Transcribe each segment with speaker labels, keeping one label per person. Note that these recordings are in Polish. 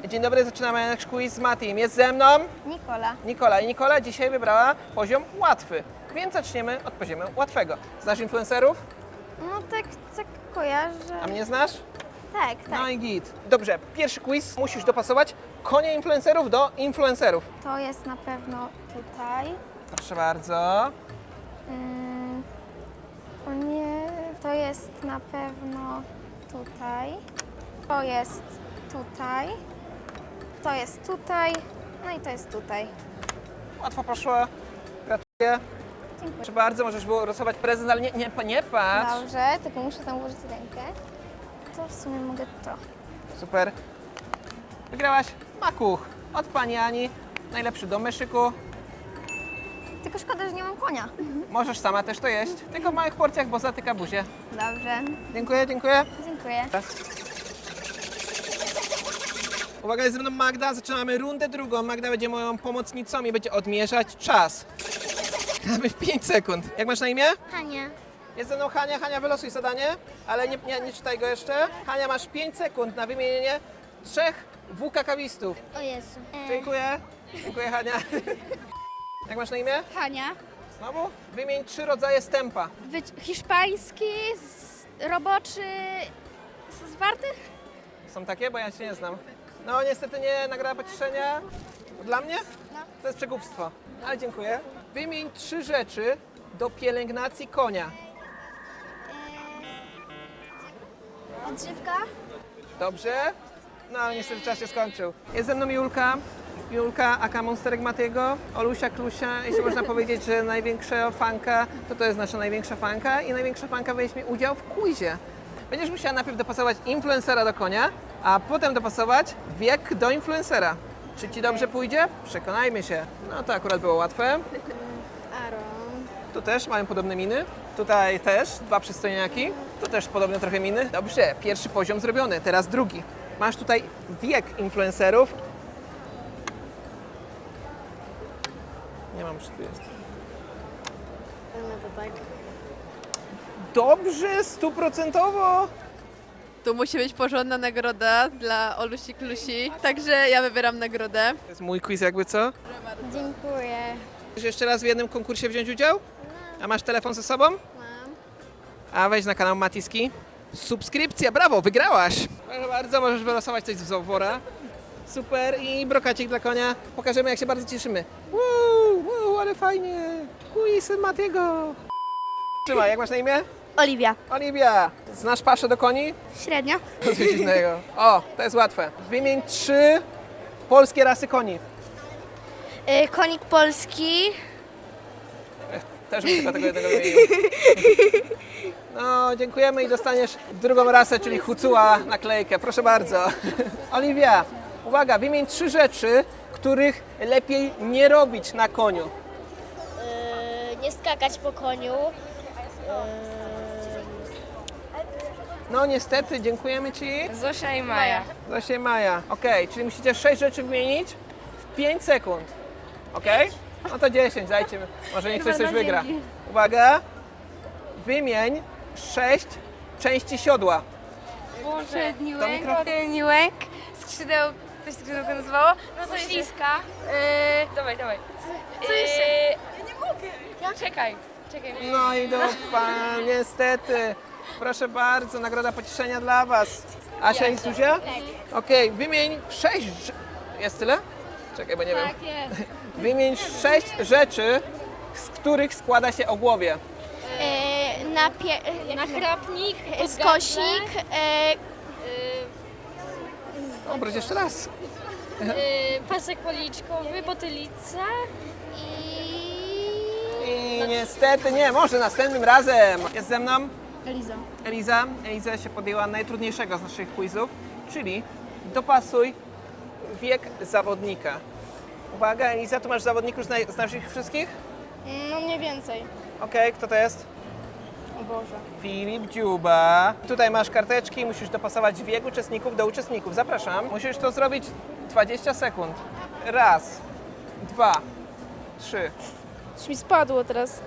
Speaker 1: Dzień dobry, zaczynamy nasz quiz z Matim. Jest ze mną
Speaker 2: Nikola.
Speaker 1: I Nikola dzisiaj wybrała poziom łatwy, więc zaczniemy od poziomu łatwego. Znasz influencerów?
Speaker 2: No tak kojarzę.
Speaker 1: A mnie znasz?
Speaker 2: Tak.
Speaker 1: No i git. Dobrze, pierwszy quiz. Musisz dopasować konie influencerów do influencerów.
Speaker 2: To jest na pewno tutaj.
Speaker 1: Proszę bardzo.
Speaker 2: O nie, to jest na pewno tutaj. To jest tutaj. To jest tutaj. No i to jest tutaj.
Speaker 1: Łatwo poszło. Gratuluję.
Speaker 2: Dziękuję.
Speaker 1: Proszę bardzo, możesz było losować prezent, ale nie patrz.
Speaker 2: Dobrze, tylko muszę tam włożyć rękę. To w sumie mogę to.
Speaker 1: Super. Wygrałaś makuch od pani Ani. Najlepszy do myszyku.
Speaker 2: Tylko szkoda, że nie mam konia.
Speaker 1: Możesz sama też to jeść, tylko w małych porcjach, bo zatyka buzię.
Speaker 2: Dobrze,
Speaker 1: Dziękuję, dziękuję.
Speaker 2: dziękuję.
Speaker 1: Uwaga, jest ze mną Magda. Zaczynamy rundę drugą. Magda będzie moją pomocnicą i będzie odmierzać czas. Mamy w 5 sekund. Jak masz na imię?
Speaker 2: Hania.
Speaker 1: Jest ze mną Hania. Hania, wylosuj zadanie, ale nie czytaj go jeszcze. Hania, masz 5 sekund na wymienienie 3 WKK-wistów.
Speaker 2: O Jezu.
Speaker 1: Dziękuję. Dziękuję, Hania. Jak masz na imię?
Speaker 3: Hania.
Speaker 1: Znowu? Wymień 3 rodzaje stępa.
Speaker 3: Hiszpański, roboczy, zwarty?
Speaker 1: Są takie? Bo ja się nie znam. No niestety nie, nagroda pocieszenia. Dla mnie?
Speaker 3: No.
Speaker 1: To jest przekupstwo. Ale dziękuję. Wymień 3 rzeczy do pielęgnacji konia.
Speaker 3: Odżywka.
Speaker 1: Dobrze? No ale niestety czas się skończył. Jest ze mną Julka. Julka, aka Monsterek Matiego, Olusia Klusia. Jeśli można powiedzieć, że największa fanka, to jest nasza największa fanka i największa fanka weźmie udział w quizie. Będziesz musiała najpierw dopasować influencera do konia, a potem dopasować wiek do influencera. Czy ci dobrze pójdzie? Przekonajmy się. No to akurat było łatwe.
Speaker 3: Aaron.
Speaker 1: Tu też mają podobne miny. Tutaj też 2 przystojniaki. Tu też podobne trochę miny. Dobrze, pierwszy poziom zrobiony, teraz drugi. Masz tutaj wiek influencerów. Nie mam, czy tu jest.
Speaker 3: No to tak.
Speaker 1: Dobrze, 100%.
Speaker 4: To musi być porządna nagroda dla Olusi Klusi, także ja wybieram nagrodę.
Speaker 1: To jest mój quiz jakby co?
Speaker 2: Dziękuję.
Speaker 1: Chcesz jeszcze raz w jednym konkursie wziąć udział? A masz telefon ze sobą?
Speaker 3: Mam.
Speaker 1: A wejdź na kanał Matiski. Subskrypcja, brawo, wygrałaś! Proszę bardzo, możesz wylosować coś z wora. Super i brokacik dla konia. Pokażemy, jak się bardzo cieszymy. Wow, ale fajnie. Quiz Matiego. Trzymaj, jak masz na imię?
Speaker 2: Oliwia.
Speaker 1: Oliwia. Znasz paszę do koni?
Speaker 2: Średnio.
Speaker 1: Coś dziwnego. O, to jest łatwe. Wymień 3 polskie rasy koni.
Speaker 2: Konik polski.
Speaker 1: Też bym tylko tego jednego wymienił. No, dziękujemy i dostaniesz drugą rasę, czyli Hucuła naklejkę. Proszę bardzo. Oliwia, uwaga, wymień 3 rzeczy, których lepiej nie robić na koniu.
Speaker 5: Nie skakać po koniu.
Speaker 1: No niestety, dziękujemy Ci.
Speaker 4: Zosia i Maja.
Speaker 1: Zosia i Maja. Okej, czyli musicie 6 rzeczy wymienić w 5 sekund. Okej? No to 10, dajcie. Może niech ktoś coś wygra. Uwaga. Wymień 6 części siodła.
Speaker 4: Przedni
Speaker 1: Do mikrofonu.
Speaker 4: tylni łęk, skrzydeł, coś skrzydełko nazywało? No to śliska. Dawaj. Co jeszcze? Ja nie mogę. Czekaj.
Speaker 1: No i dupa, niestety. Proszę bardzo, nagroda pocieszenia dla Was. Asia i Zuzia? Tak. Okej, wymień 6... Jest tyle? Czekaj, bo nie wiem.
Speaker 3: jest.
Speaker 1: Wymień 6 rzeczy, z których składa się ogłowie.
Speaker 5: Nachrapnik,
Speaker 2: Skosik.
Speaker 1: Obróć jeszcze raz.
Speaker 5: pasek policzkowy, potylica.
Speaker 1: I niestety nie, może następnym razem. Jest ze mną
Speaker 3: Eliza.
Speaker 1: Eliza się podjęła najtrudniejszego z naszych quizów, czyli dopasuj wiek zawodnika. Uwaga, Eliza, tu masz zawodników, znasz ich wszystkich?
Speaker 3: No mniej więcej.
Speaker 1: Okej, kto to jest?
Speaker 3: O Boże.
Speaker 1: Filip Dziuba. Tutaj masz karteczki, musisz dopasować wiek uczestników do uczestników. Zapraszam. Musisz to zrobić 20 sekund. 1, 2, 3.
Speaker 3: Coś mi spadło teraz.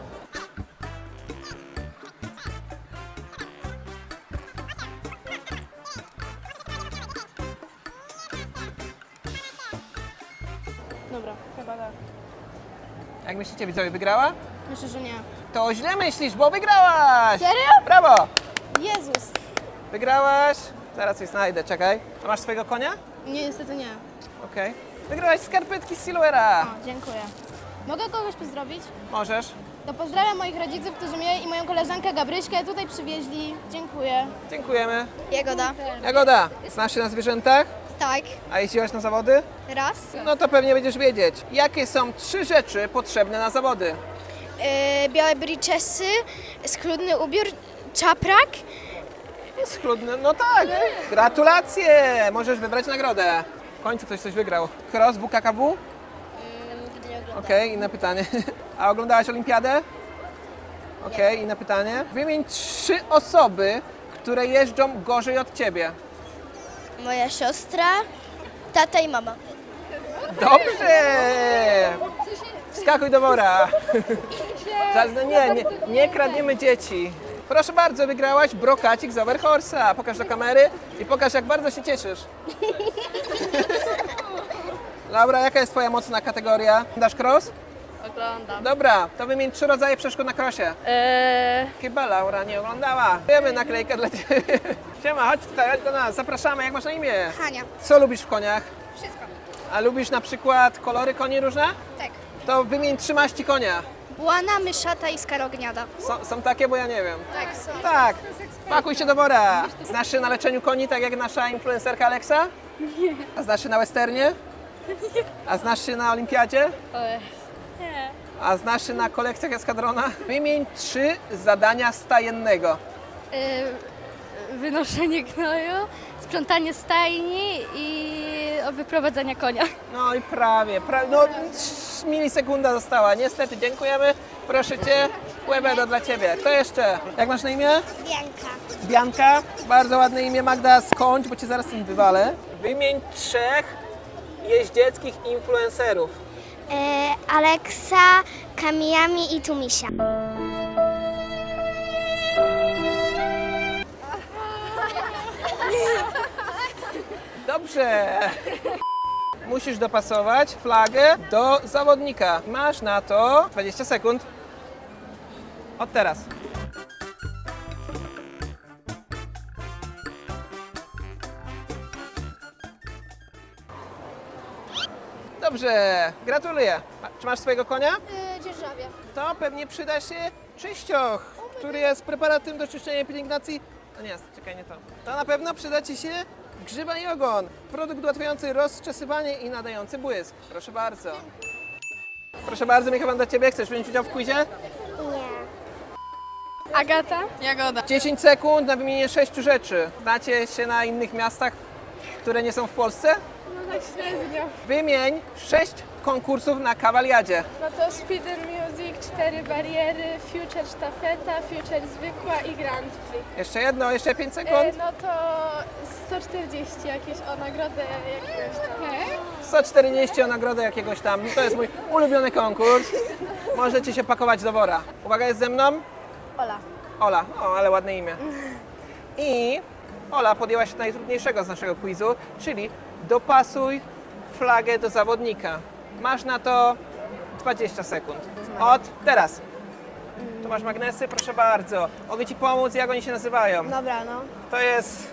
Speaker 3: Dobra, chyba tak.
Speaker 1: Jak myślicie, widzowie, wygrała?
Speaker 3: Myślę, że nie.
Speaker 1: To źle myślisz, bo wygrałaś!
Speaker 3: Serio?
Speaker 1: Brawo!
Speaker 3: Jezus!
Speaker 1: Wygrałaś. Zaraz coś znajdę, czekaj. A masz swojego konia?
Speaker 3: Nie, niestety nie.
Speaker 1: Okej. Wygrałaś skarpetki z Silvera.
Speaker 3: O, dziękuję. Mogę kogoś pozdrowić?
Speaker 1: Możesz.
Speaker 3: To pozdrawiam moich rodziców, którzy mnie i moją koleżankę Gabryśkę tutaj przywieźli. Dziękuję.
Speaker 1: Dziękujemy.
Speaker 2: Jagoda.
Speaker 1: Jagoda, znasz się na zwierzętach?
Speaker 2: Tak.
Speaker 1: A jeździłaś na zawody?
Speaker 2: Raz.
Speaker 1: No to pewnie będziesz wiedzieć. Jakie są 3 rzeczy potrzebne na zawody?
Speaker 2: Białe briczesy, schludny ubiór, czaprak.
Speaker 1: Schludny, no tak. Gratulacje! Możesz wybrać nagrodę. W końcu ktoś coś wygrał. Cross WKKW?
Speaker 5: Nigdy nie oglądam.
Speaker 1: Okej, inne pytanie. A oglądałaś olimpiadę? Okej, inne pytanie. Wymień 3 osoby, które jeżdżą gorzej od ciebie.
Speaker 5: Moja siostra, tata i mama.
Speaker 1: Dobrze! Wskakuj do wora. No nie kradniemy dzieci. Proszę bardzo, wygrałaś brokacik z Overhorse'a. Pokaż do kamery i pokaż, jak bardzo się cieszysz. Laura, jaka jest twoja mocna kategoria? Dasz cross?
Speaker 3: Oglądam.
Speaker 1: Dobra, to wymień 3 rodzaje przeszkód na crossie. Chyba Laura nie oglądała. Wiemy naklejkę dla ciebie. Siema, chodź tutaj, chodź do nas. Zapraszamy, jak masz na imię?
Speaker 2: Hania.
Speaker 1: Co lubisz w koniach?
Speaker 2: Wszystko.
Speaker 1: A lubisz na przykład kolory koni różne?
Speaker 2: Tak.
Speaker 1: To wymień 3 maści konia.
Speaker 2: Błana, myszata i skarogniada.
Speaker 1: Są takie, bo ja nie wiem.
Speaker 2: Tak, są.
Speaker 1: Tak, pakuj się do wora. Znasz się na leczeniu koni, tak jak nasza influencerka Alexa? Nie. A znasz się na westernie? Nie. A znasz się na olimpiadzie?
Speaker 5: Nie.
Speaker 1: A znasz się na kolekcjach eskadrona? Wymień 3 zadania stajennego.
Speaker 5: Wynoszenie gnoju, sprzątanie stajni i wyprowadzanie konia.
Speaker 1: No i prawie, no milisekunda została. Niestety, dziękujemy. Proszę Cię, Quevedo dla Ciebie. Kto jeszcze? Jak masz na imię?
Speaker 2: Bianka.
Speaker 1: Bianka. Bardzo ładne imię. Magda, skończ, bo Cię zaraz tym wywalę. Wymień 3 jeździeckich influencerów.
Speaker 2: Aleksa, Kamiyami i Tumisia.
Speaker 1: Dobrze. Musisz dopasować flagę do zawodnika. Masz na to 20 sekund. Od teraz. Dobrze, gratuluję. Czy masz swojego konia?
Speaker 2: Dzierżawie.
Speaker 1: To pewnie przyda się czyścioch, który jest preparatem do czyszczenia pielęgnacji. No nie, czekaj, nie to. To na pewno przyda Ci się grzyba i ogon. Produkt ułatwiający rozczesywanie i nadający błysk. Proszę bardzo. Proszę bardzo, mikrofon dla Ciebie. Chcesz wziąć udział w quizie?
Speaker 3: Agata? Jagoda.
Speaker 1: 10 sekund na wymienienie 6 rzeczy. Znacie się na innych miastach, które nie są w Polsce?
Speaker 3: No tak średnio.
Speaker 1: Wymień 6 konkursów na kawaliadzie.
Speaker 3: No to Speed and Music, 4 bariery, Future sztafeta, Future zwykła i Grand Prix.
Speaker 1: Jeszcze jedno, jeszcze 5 sekund.
Speaker 3: No to 140 jakieś o nagrodę jakiegoś tam.
Speaker 1: 140 o nagrodę jakiegoś tam. To jest mój ulubiony konkurs. Możecie się pakować do wora. Uwaga, jest ze mną?
Speaker 3: Ola.
Speaker 1: Ola. O, ale ładne imię. I Ola podjęła się najtrudniejszego z naszego quizu, czyli dopasuj flagę do zawodnika. Masz na to 20 sekund. Od teraz. Tu masz magnesy, proszę bardzo. Mogę Ci pomóc, jak oni się nazywają.
Speaker 3: Dobra, no.
Speaker 1: To jest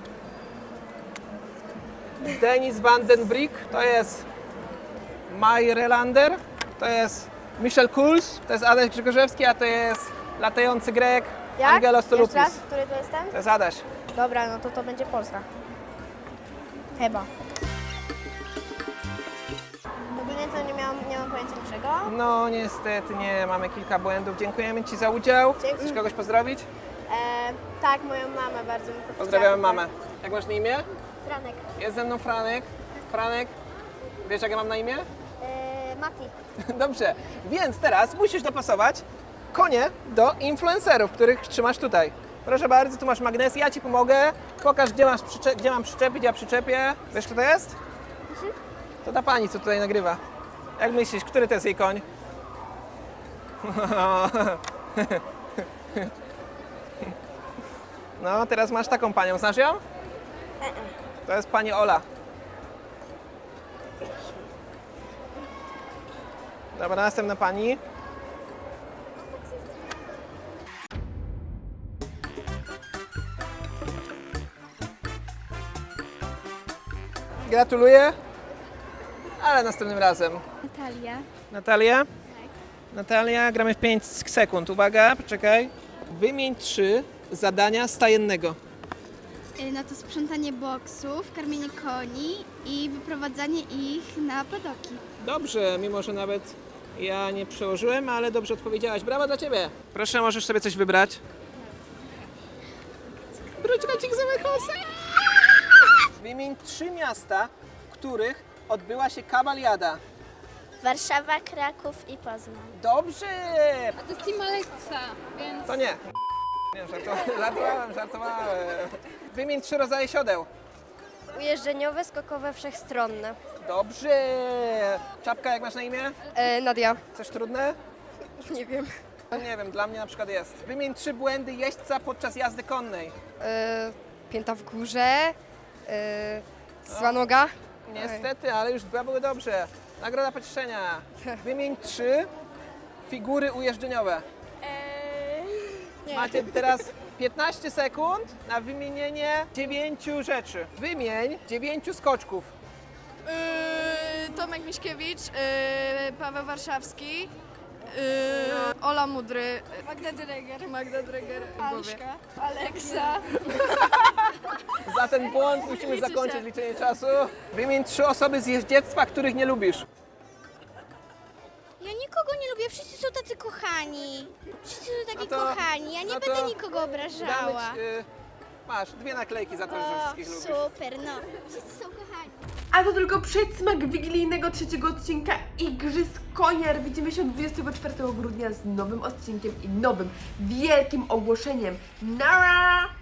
Speaker 1: Denis van den Brick, to jest Maj Relander, to jest Michel Kuls, to jest Adaś Grzegorzewski, a to jest latający Grek Angelos Tolupis.
Speaker 3: Który to jest ten?
Speaker 1: To jest Adaś.
Speaker 3: Dobra, no to będzie Polska. Chyba. Ogólnie to nie mam pojęcia niczego.
Speaker 1: No niestety nie, mamy kilka błędów. Dziękujemy Ci za udział.
Speaker 3: Dzięki.
Speaker 1: Chcesz kogoś pozdrowić?
Speaker 3: Tak, moją mamę bardzo mi
Speaker 1: Pozdrawiamy mamę. Jak masz na imię?
Speaker 2: Franek.
Speaker 1: Jest ze mną Franek. Franek, wiesz jak ja mam na imię?
Speaker 2: Mati.
Speaker 1: Dobrze, więc teraz musisz dopasować konie do influencerów, których trzymasz tutaj. Proszę bardzo, tu masz magnes, ja Ci pomogę. Pokaż, gdzie mam przyczepić, ja przyczepię. Wiesz, kto to jest? To ta pani, co tutaj nagrywa. Jak myślisz, który to jest jej koń? No, teraz masz taką panią. Znasz ją? To jest pani Ola. Dobra, następna pani. Gratuluję, ale następnym razem.
Speaker 2: Natalia.
Speaker 1: Natalia? Natalia, gramy w 5 sekund. Uwaga, poczekaj. Wymień 3 zadania stajennego.
Speaker 2: No to sprzątanie boksów, karmienie koni i wyprowadzanie ich na padoki.
Speaker 1: Dobrze, mimo że nawet ja nie przełożyłem, ale dobrze odpowiedziałaś. Brawo dla Ciebie. Proszę, możesz sobie coś wybrać. Brudźkacik zamykał się. Wymień 3 miasta, w których odbyła się kawaliada.
Speaker 5: Warszawa, Kraków i Poznań.
Speaker 1: Dobrze!
Speaker 3: To jest Team Alexa, więc...
Speaker 1: To nie. Nie, żartowałem. Wymień 3 rodzaje siodeł.
Speaker 5: Ujeżdżeniowe, skokowe, wszechstronne.
Speaker 1: Dobrze! Czapka, jak masz na imię?
Speaker 5: Nadia.
Speaker 1: Coś trudne?
Speaker 5: Nie wiem.
Speaker 1: No nie wiem, dla mnie na przykład jest. Wymień 3 błędy jeźdźca podczas jazdy konnej.
Speaker 5: Pięta w górze. Zła noga.
Speaker 1: Niestety, ale już 2 były dobrze. Nagroda pocieszenia. Wymień 3 figury ujeżdżeniowe. Macie teraz 15 sekund na wymienienie 9 rzeczy. Wymień 9 skoczków.
Speaker 3: Tomek Miśkiewicz, Paweł Warszawski, Ola Mudry, Magda Dreger, Alszka, Aleksa.
Speaker 1: Za ten błąd musimy zakończyć liczenie czasu. Wymień 3 osoby z jeździectwa, których nie lubisz.
Speaker 2: Ja nikogo nie lubię, wszyscy są tacy kochani. Wszyscy są taki
Speaker 1: No to-
Speaker 2: kochani, ja nie
Speaker 1: no to
Speaker 2: będę nikogo obrażała.
Speaker 1: Damy masz 2 naklejki za to, że wszystkich lubisz.
Speaker 2: Super, no. Wszyscy są kochani.
Speaker 6: A to tylko przedsmak wigilijnego 3. odcinka Igrzysk Koniar. Widzimy się 24 grudnia z nowym odcinkiem i nowym wielkim ogłoszeniem. Nara!